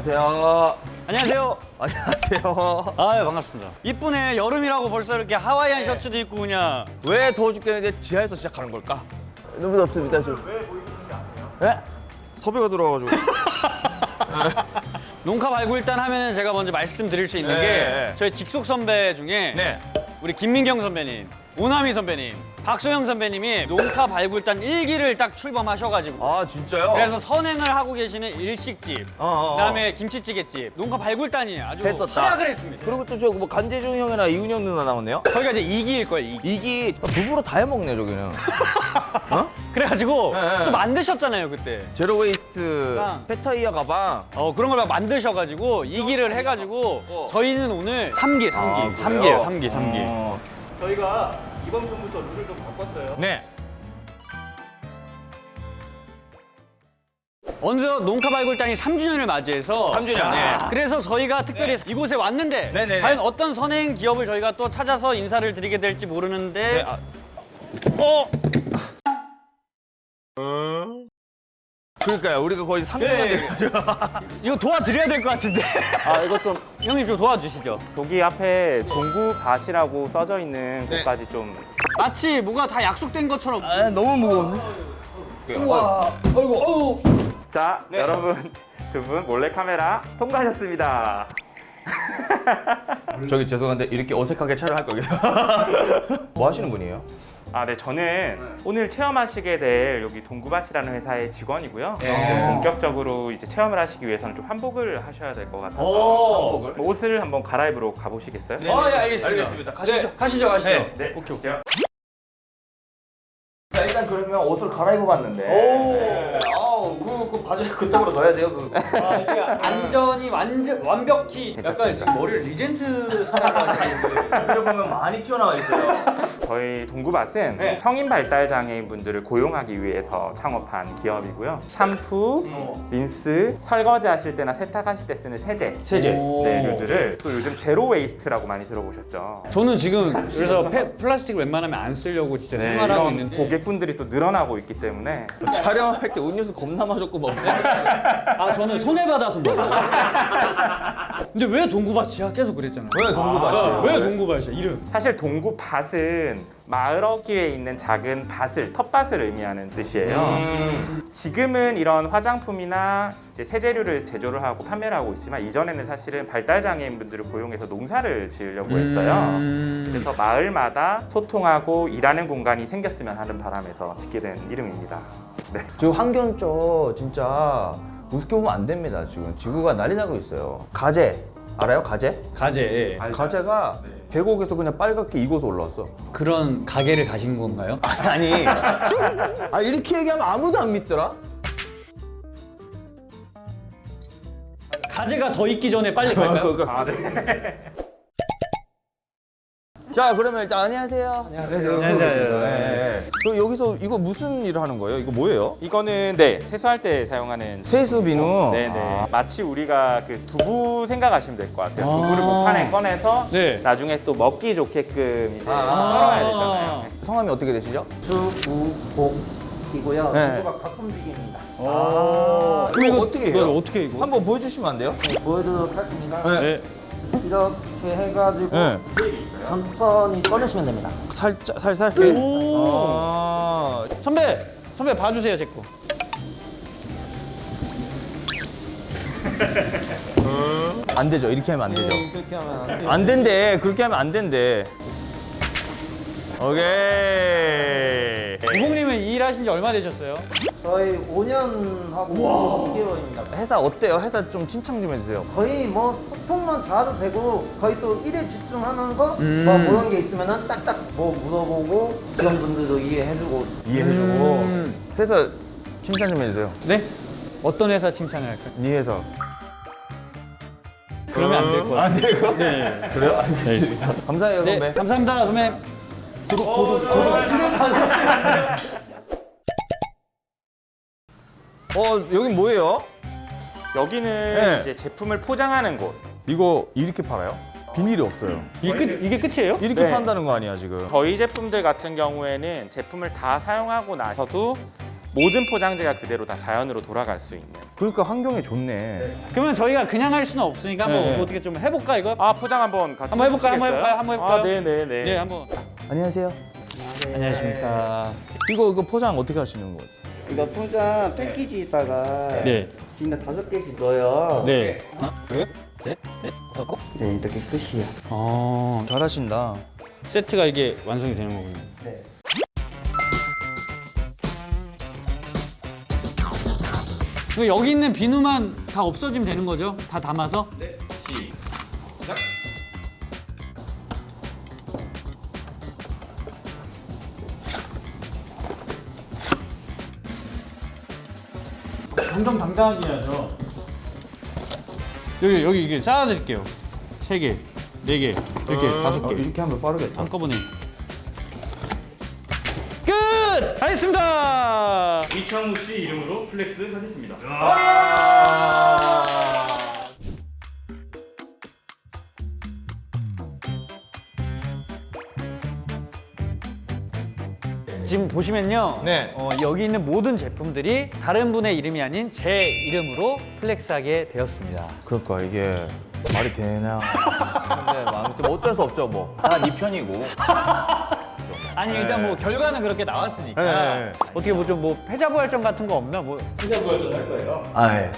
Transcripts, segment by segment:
안녕하세요. 안녕하세요. 안녕하세요. 아유 반갑습니다. 이쁘네. 여름이라고 벌써 이렇게 하와이안 셔츠도 입고 그냥. 왜 더워 죽겠는데 지하에서 시작하는 걸까? 너무 덥습니다 지금. 왜 보이는지 아세요? 네? 섭외가 들어와가지고. 농가 발굴단 하면은 제가 먼저 말씀드릴 수 있는 네. 게 저희 직속 선배 중에 네. 우리 김민경 선배님, 오나미 선배님, 박소영 선배님이 농가 발굴단 1기를 딱 출범하셔가지고 아 진짜요? 그래서 선행을 하고 계시는 일식집, 그다음에 김치찌개집, 농가 발굴단이 아주 됐었다. 활약을 했습니다. 그리고 또 저 뭐 간재중 형이나 이훈영 누나 나오네요. 거기가 이제 2기일 거예요. 2기. 이기 부부로 다 해먹네 저기는. 어? 그래가지고 네. 또 만드셨잖아요 그때. 제로 웨이스트 가방. 페타이어 가방. 그런 걸 막 만드셔가지고 2기를 해가지고 저희는 오늘 3기, 3기, 아, 3기예요, 그래요? 3기, 3기. 저희가 이번 편부터 룰을 좀 바꿨어요. 네. 어느덧 농가 발굴단이 3주년을 맞이해서 3주년, 네. 그래서 저희가 특별히 이곳에 왔는데 네네네. 과연 어떤 선행 기업을 저희가 또 찾아서 인사를 드리게 될지 모르는데 그러니까요. 우리가 거의 3년 네. 이거 도와드려야 될 것 같은데 아 이거 좀 형님 좀 도와주시죠. 여기 앞에 동구밭이라고 써져 있는 곳까지 좀 마치 뭐가 다 약속된 것처럼. 아, 너무 무거운데? 우와, 어이구, 자, 여러분 두 분 몰래카메라 통과하셨습니다. 저기 죄송한데 이렇게 어색하게 촬영할 거예요. 뭐 하시는 분이에요? 아, 네, 저는 오늘 체험하시게 될 여기 동구밭이라는 회사의 직원이고요. 네. 이제 본격적으로 이제 체험을 하시기 위해서는 좀 환복을 하셔야 될 것 같아서 오. 뭐 옷을 한번 갈아입으러 가보시겠어요? 예, 알겠습니다. 알겠습니다. 가시죠. 네, 가시죠, 가시죠. 네. 네, 오케이. 자 일단 그러면 옷을 갈아입어 봤는데. 오. 아우 그 바지 그쪽으로 넣어야 돼요. 그. 아, 이게 안전이 완벽히 약간 괜찮습니다. 지금 머리를 리젠트 스타일로 하시는데 보면 많이 튀어나와 있어요. 저희 동구밭은 네. 성인 발달 장애인 분들을 고용하기 위해서 창업한 기업이고요. 샴푸, 린스, 설거지 하실 때나 세탁하실 때 쓰는 세제, 네, 류들을 또 요즘 제로 웨이스트라고 많이 들어보셨죠? 저는 지금 그래서 플라스틱 웬만하면 안 쓰려고 진짜 네, 생활하고 이런 있는데 고객분들이 또 늘어나고 있기 때문에 촬영할 때 음료수 겁나 마셨고 막. 아 저는 손해받아서 먹어요. 근데 왜 동구밭이야? 계속 그랬잖아요. 왜 동구밭이에요? 왜 동구밭이야? 이름. 사실 동구밭은 마을 어귀에 있는 작은 밭을, 텃밭을 의미하는 뜻이에요. 지금은 이런 화장품이나 이제 세제류를 제조를 하고 판매를 하고 있지만 이전에는 사실은 발달 장애인분들을 고용해서 농사를 지으려고 했어요. 그래서 마을마다 소통하고 일하는 공간이 생겼으면 하는 바람에서 짓게 된 이름입니다. 네. 지금 환경 쪽 진짜 우습게 보면 안 됩니다. 지금 지구가 난리 나고 있어요. 가재 알아요? 가재? 가재. 가재가 계곡에서 그냥 빨갛게 익어서 올라왔어. 그런 가게를 가신 건가요? 아니, 이렇게 얘기하면 아무도 안 믿더라. 가재가 더 익기 전에 빨리 갈까요? 아, 네. 자, 그러면 일단 안녕하세요. 안녕하세요. 네. 그럼 여기서 이거 무슨 일을 하는 거예요? 이거 뭐예요? 이거는 네, 세수할 때 사용하는 세수 비누. 네네. 마치 우리가 그 두부 생각하시면 될 것 같아요. 두부를 목판에 꺼내서 네. 나중에 또 먹기 좋게끔 이제 썰어야 되잖아요. 성함이 어떻게 되시죠? 수우복이고요. 네. 수우가 각품직입니다. 그럼 이거 어떻게 해요? 어떻게 이거? 한번 보여주시면 안 돼요? 네, 보여드리도록 하겠습니다. 네. 이렇게 해가지고 네. 천천히 꺼내시면 됩니다. 살살. 오. 아, 선배 봐주세요 제 거. 안 되죠. 이렇게 하면 안 되죠. 그렇게 하면 안 돼요. 안 된대. 그렇게 하면 안 된대. 오케이. 우봉님은 이 일하신 지 얼마 되셨어요? 저희 5년하고 6개월입니다. 회사 어때요? 회사 좀 칭찬 좀 해주세요. 거의 뭐 소통만 잘해도 되고 거의 또 일에 집중하면서 뭐 모르는 게 있으면은 딱딱 뭐 물어보고 직원분들도 이해해주고 이해해주고. 회사 칭찬 좀 해주세요. 네? 어떤 회사 칭찬을 할까요? 네 회사. 그러면 안 될 것 같아요. 안 될 것 같아요. 네. 그래요? 알겠습니다. 감사해요, 네, 선배. 감사합니다 선배. 여긴 뭐예요? 여기는 네. 이제 제품을 포장하는 곳. 이거 이렇게 팔아요? 비닐이 없어요. 이게 끝이에요? 이렇게 네. 판다는 거 아니야, 지금? 저희 제품들 같은 경우에는 제품을 다 사용하고 나서도 모든 포장재가 그대로 다 자연으로 돌아갈 수 있는. 그러니까 환경에 좋네. 그러면 저희가 그냥 할 수는 없으니까 한번 네. 어떻게 좀 해볼까 이거? 아 포장 한번 같이 한번 해볼까요? 해보시겠어요? 한번 해볼까요? 아, 네네네. 네, 한번. 안녕하세요. 안녕하십니까. 이거 포장 어떻게 하시는 거예요? 이거 포장 패키지에다가 네. 비누 5개씩 넣어요. 네. 하나, 둘, 셋, 넷, 다섯. 네, 이렇게 끝이에요. 잘하신다. 세트가 이게 완성이 되는 거군요. 네. 그럼 여기 있는 비누만 다 없어지면 되는 거죠? 다 담아서? 네. 시작. 정정당당하게 해야죠. 여기 이게 쌓아드릴게요. 3개, 4개, 2개, 5개. 이렇게 하면 빠르겠다. 한꺼번에. 끝! 알겠습니다. 이창우 씨 이름으로 플렉스 하겠습니다. 지금 보시면요. 네. 여기 있는 모든 제품들이 다른 분의 이름이 아닌 제 이름으로 플렉스하게 되었습니다. 그러니까 이게 말이 되나? 근데 아무튼 어쩔 수 없죠 뭐. 다 네 편이고. 아니 일단 뭐 결과는 그렇게 나왔으니까 네. 어떻게 뭐 좀 뭐 패자부활전 같은 거 없나? 뭐 아 예.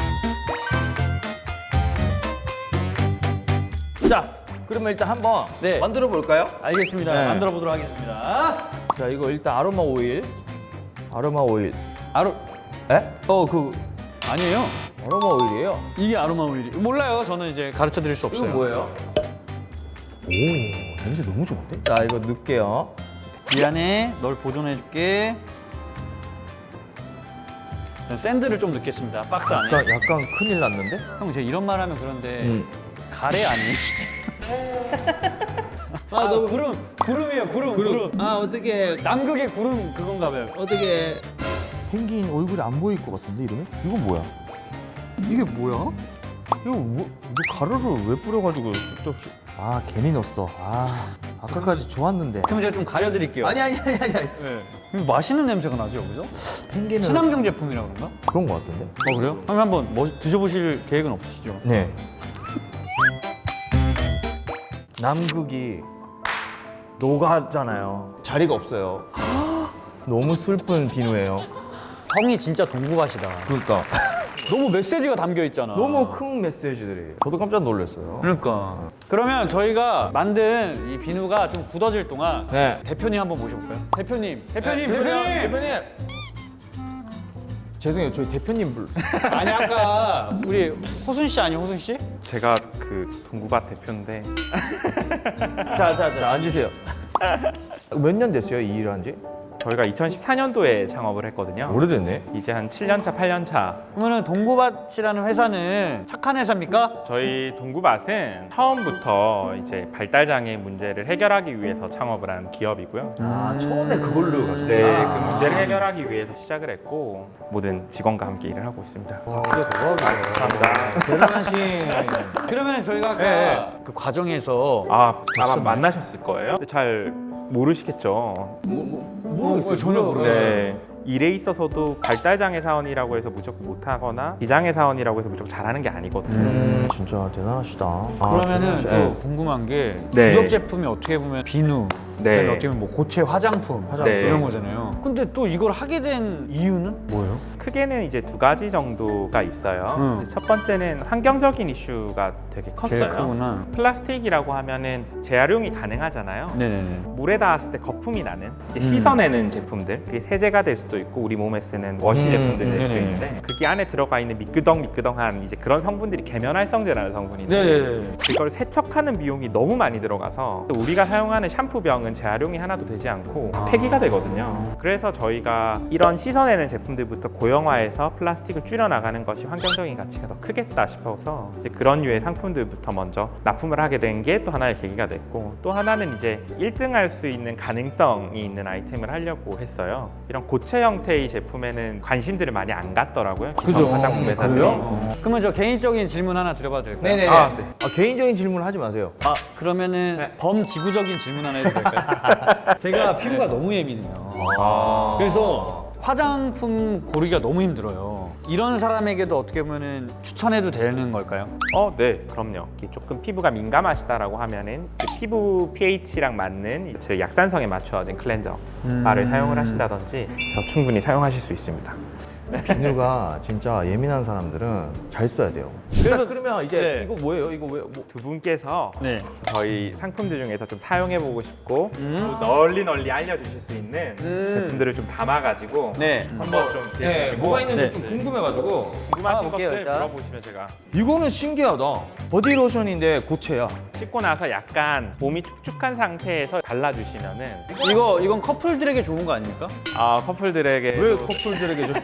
자, 그러면 일단 한번 네. 만들어 볼까요? 알겠습니다. 네. 만들어 보도록 하겠습니다. 자, 이거 일단 아로마 오일. 아로마 오일. 아로 에? 그 아니에요. 아로마 오일이에요. 이게 아로마 오일이 몰라요. 저는 이제 가르쳐 드릴 수 없어요. 이건 뭐예요? 오, 냄새 너무 좋은데? 자, 이거 넣을게요. 미안해. 널 보존해 줄게. 전 샌드를 좀 넣겠습니다. 박스 안에. 약간 큰일 났는데? 형 제가 이런 말 하면 그런데 음. 가래 아니에요? 너무 구름이에요. 구름. 아, 어떻게 남극의 구름 그건가 봐요. 어떻게 펭귄 얼굴이 안 보일 것 같은데 이러면? 이건 뭐야? 이게 뭐야? 이거 뭐, 너 가루를 왜 뿌려가지고 쑥쩍쑥? 아, 괜히 넣었어. 아, 아까까지 좋았는데. 그럼 제가 좀 가려드릴게요. 아니. 이거 맛있는 냄새가 나죠 여기서? 펭귄은 친환경 제품이라 그런가? 그런 것 같은데. 그래요? 그럼 한번 드셔보실 계획은 없으시죠? 네. 남극이 녹아잖아요. 자리가 없어요. 너무 슬픈 비누예요. 형이 진짜 동구밭이다. 그러니까 너무 메시지가 담겨 있잖아. 너무 큰 메시지들이. 저도 깜짝 놀랐어요. 그러니까. 그러면 저희가 만든 이 비누가 좀 굳어질 동안 네. 대표님 한번 모셔볼까요? 대표님. 대표님. 죄송해요, 저희 대표님 불렀어요. 아니 아까 우리 호순 씨 아니에요, 호순 씨? 제가 그 동구밭 대표인데 자, 앉으세요. 몇 년 됐어요, 이 일을 한지? 저희가 2014년도에 창업을 했거든요. 오래됐네. 이제 한 7년 차, 8년 차. 그러면은 동구밭이라는 회사는 착한 회사입니까? 저희 동구밭은 처음부터 이제 발달 장애 문제를 해결하기 위해서 창업을 한 기업이고요. 아, 처음에 그걸로 가지고. 네, 그 문제를 해결하기 위해서 시작을 했고 모든 직원과 함께 일을 하고 있습니다. 감사합니다. 대단하신. 그러면은 저희가 아까 네. 그 과정에서 아마 만나셨을 거예요. 근데 잘 모르시겠죠. 전혀 모르겠어요. 네. 일에 있어서도 발달장애 사원이라고 해서 무조건 못하거나 비장애 사원이라고 해서 무조건 잘하는 게 아니거든요. 진짜 대단하시다. 그러면은 또 네. 궁금한 게 네. 주력 제품이 어떻게 보면 비누, 네. 그다음에 어떻게 보면 뭐 고체 화장품 네. 이런 거잖아요. 근데 또 이걸 하게 된 이유는 뭐예요? 크게는 이제 두 가지 정도가 있어요. 첫 번째는 환경적인 이슈가 되게 컸어요. 제일 크구나. 플라스틱이라고 하면은 재활용이 가능하잖아요. 네네네. 물에 닿았을 때 거품이 나는 이제 씻어내는 제품들, 그게 세제가 될 수도 있고 우리 몸에 쓰는 워시 제품들 될 수도 네네. 있는데 그게 안에 들어가 있는 미끄덩미끄덩한 이제 그런 성분들이 계면활성제라는 성분인데 네네네. 그걸 세척하는 비용이 너무 많이 들어가서 또 우리가 사용하는 샴푸병은 재활용이 하나도 되지 않고 폐기가 되거든요. 그래서 저희가 이런 씻어내는 제품들부터 고형화해서 플라스틱을 줄여나가는 것이 환경적인 가치가 더 크겠다 싶어서 이제 그런 류의 상품들부터 먼저 납품을 하게 된 게 또 하나의 계기가 됐고, 또 하나는 이제 1등할 수 있는 가능성이 있는 아이템을 하려고 했어요. 이런 고체 형태의 제품에는 관심들을 많이 안 갖더라고요. 기성 화장품 회사들이. 그러면 저 개인적인 질문 하나 드려봐도 될까요? 네네네. 아, 네. 개인적인 질문 하지 마세요. 그러면은 범지구적인 질문 하나 해도 될까요? 제가 피부가 너무 예민해요. 그래서 화장품 고르기가 너무 힘들어요. 이런 사람에게도 어떻게 보면은 추천해도 되는 걸까요? 네, 그럼요. 이게 조금 피부가 민감하시다라고 하면은 그 피부 pH랑 맞는 제 약산성에 맞춰진 클렌저 바를 사용을 하신다든지 해서 충분히 사용하실 수 있습니다. 비누가 진짜 예민한 사람들은 잘 써야 돼요. 그래서 그러면 이제 네. 이거 뭐예요? 이거 왜? 뭐. 두 분께서 네. 저희 상품들 중에서 좀 사용해보고 싶고 또 널리 알려주실 수 있는 제품들을 좀 담아가지고 네. 한번 좀 드려보시고 뭐가 있는지 네. 좀 궁금해가지고. 궁금하신 담아볼게요, 것들 일단. 물어보시면 제가 이거는 신기하다. 보디로션인데 고체야. 씻고 나서 약간 몸이 축축한 상태에서 발라주시면은 이건 커플들에게 좋은 거 아닙니까? 커플들에게 왜 커플들에게 좀.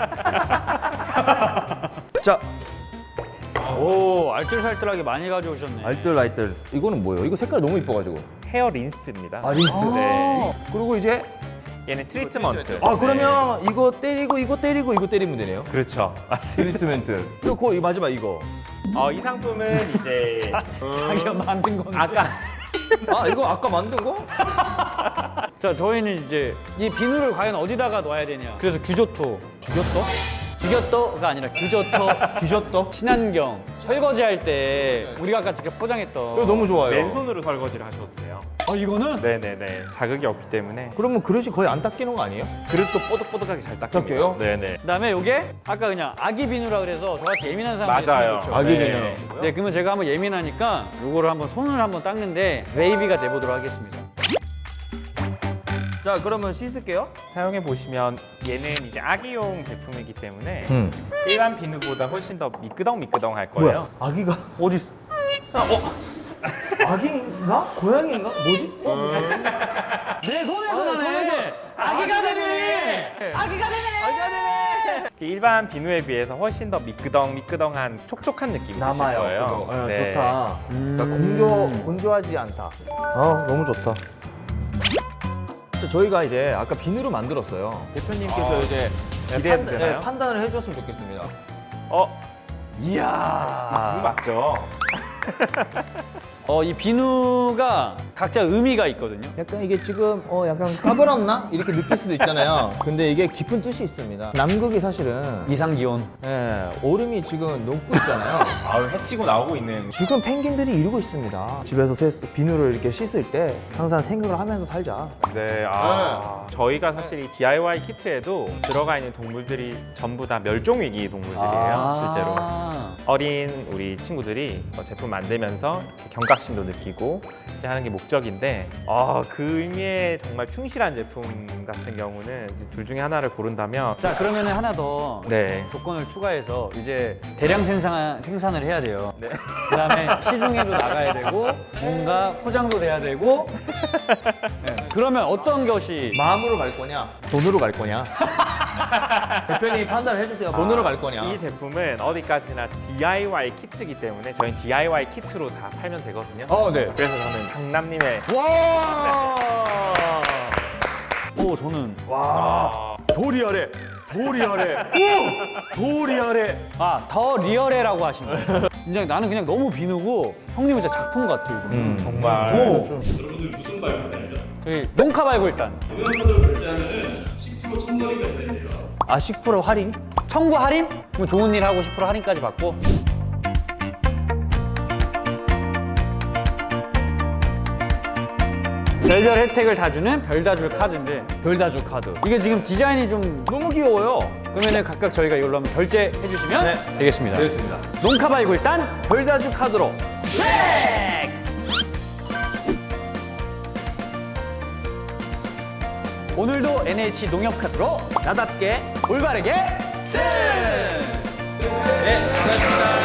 자, 오, 알뜰살뜰하게 많이 가져오셨네. 알뜰. 이거는 뭐예요? 이거 색깔 너무 이뻐가지고. 헤어 린스입니다. 린스. 네. 그리고 이제 얘는 트리트먼트. 그러면 이거 때리고 이거 때리고 이거 때리면 되네요. 그렇죠. 맞습니다. 트리트멘트. 그리고 이 마지막 이거. 이 상품은 이제 자기가 만든 건데. 아까 이거 아까 만든 거? 자, 저희는 이제 이 비누를 과연 어디다가 놔야 되냐. 그래서 규조토. 규조토가 아니라 규조토. 뒤졌다. 친환경. 설거지 할 때 우리가 아까 직접 포장했던. 이거 너무 좋아요. 맨손으로 설거지를 하셔도 돼요. 이거는? 네네네. 자극이 없기 때문에 그러면 그릇이 거의 안 닦이는 거 아니에요? 그릇도 뽀득뽀득하게 잘 닦여요. 닦여요? 네네. 그다음에 요게 아까 그냥 아기 비누라 그래서 저같이 예민한 사람이 맞아요. 있으면 좋죠. 아기 네. 비누. 네, 그러면 제가 한번 예민하니까 요거를 한번 손을 한번 닦는데 웨이비가 돼보도록 하겠습니다. 자, 그러면 씻을게요. 사용해 보시면 얘는 이제 아기용 제품이기 때문에 응. 일반 비누보다 훨씬 더 미끄덩미끄덩할 거예요. 아기가 어디 있어? 아기인가? 고양이인가? 뭐지? 내 손에서 나네. 아기가 되네. 아기가 되네. 일반 비누에 비해서 훨씬 더 미끄덩미끄덩한 촉촉한 느낌이 드실 거예요. 그거. 네. 좋다. 그러니까 건조하지 않다. 너무 좋다. 저희가 이제 아까 비누로 만들었어요. 대표님께서 이제 기대되나요? 판단을 해주셨으면 좋겠습니다. 이야. 비누 맞죠? 이 비누가 각자 의미가 있거든요. 약간 이게 지금 약간 까불었나? 이렇게 느낄 수도 있잖아요. 근데 이게 깊은 뜻이 있습니다. 남극이 사실은 이상 기온. 얼음이 지금 녹고 있잖아요. 해치고 나오고 있는. 지금 펭귄들이 이러고 있습니다. 집에서 비누를 이렇게 씻을 때 항상 생각을 하면서 살자. 네, 저희가 사실 이 DIY 키트에도 들어가 있는 동물들이 전부 다 멸종위기 동물들이에요, 실제로. 어린 우리 친구들이 제품 만들면서 이렇게 경각심도 느끼고 이제 하는 게 목적인데 그 의미에 정말 충실한 제품 같은 경우는 이제 둘 중에 하나를 고른다면 자, 그러면 하나 더 네. 조건을 추가해서 이제 대량 생산을 해야 돼요. 그다음에 시중에도 나가야 되고 뭔가 포장도 돼야 되고. 네. 그러면 어떤 것이 마음으로 갈 거냐? 돈으로 갈 거냐? 대표님 판단을 해주세요. 돈으로 갈 거냐? 이 제품은 어디까지나 DIY 키트이기 때문에 저희는 DIY 키트로 다 팔면 되거든요. 네. 그래서 저는 강남님의 와! 저는 더 리얼해. 더 리얼해. 더 리얼해라고 하신 거예요. 그냥 나는 그냥 너무 비누고 형님은 진짜 작품 같아 이거. 정말 여러분들 무슨 발굴단이죠? 저기 농카 발굴단. 동영상으로 결제하면은 10% 첨가리가 있습니다. 10% 할인? 청구 할인? 그럼 좋은 일 하고 10% 할인까지 받고. 별별 혜택을 다 주는 별다줄 카드인데 별다줄 카드. 이게 지금 디자인이 좀 너무 귀여워요. 그러면은 각각 저희가 이걸로 한번 결제해 주시면 되겠습니다. 되겠습니다. 농카 발굴단 별다줄 카드로. 플렉스! 오늘도 NH 농협 카드로 나답게 올바르게 승! 네, 수고하셨습니다.